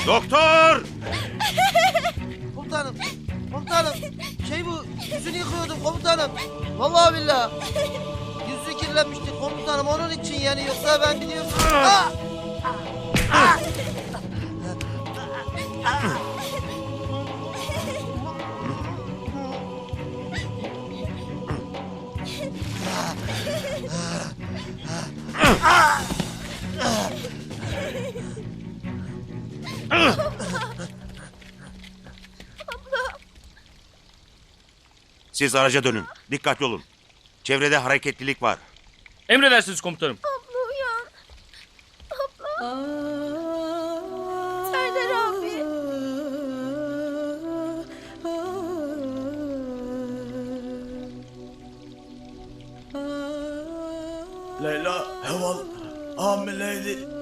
Doktor! Komutanım, komutanım. Bu, yüzünü yıkıyordum komutanım. Vallahi billahi. Yüzü kirlenmişti komutanım, onun için yani, yoksa ben biliyorum. Ah! Siz araca dönün. Dikkatli olun. Çevrede hareketlilik var. Emredersiniz komutanım. Abla uyan. Abla. Serdar abi. Leyla Heval hamileydi.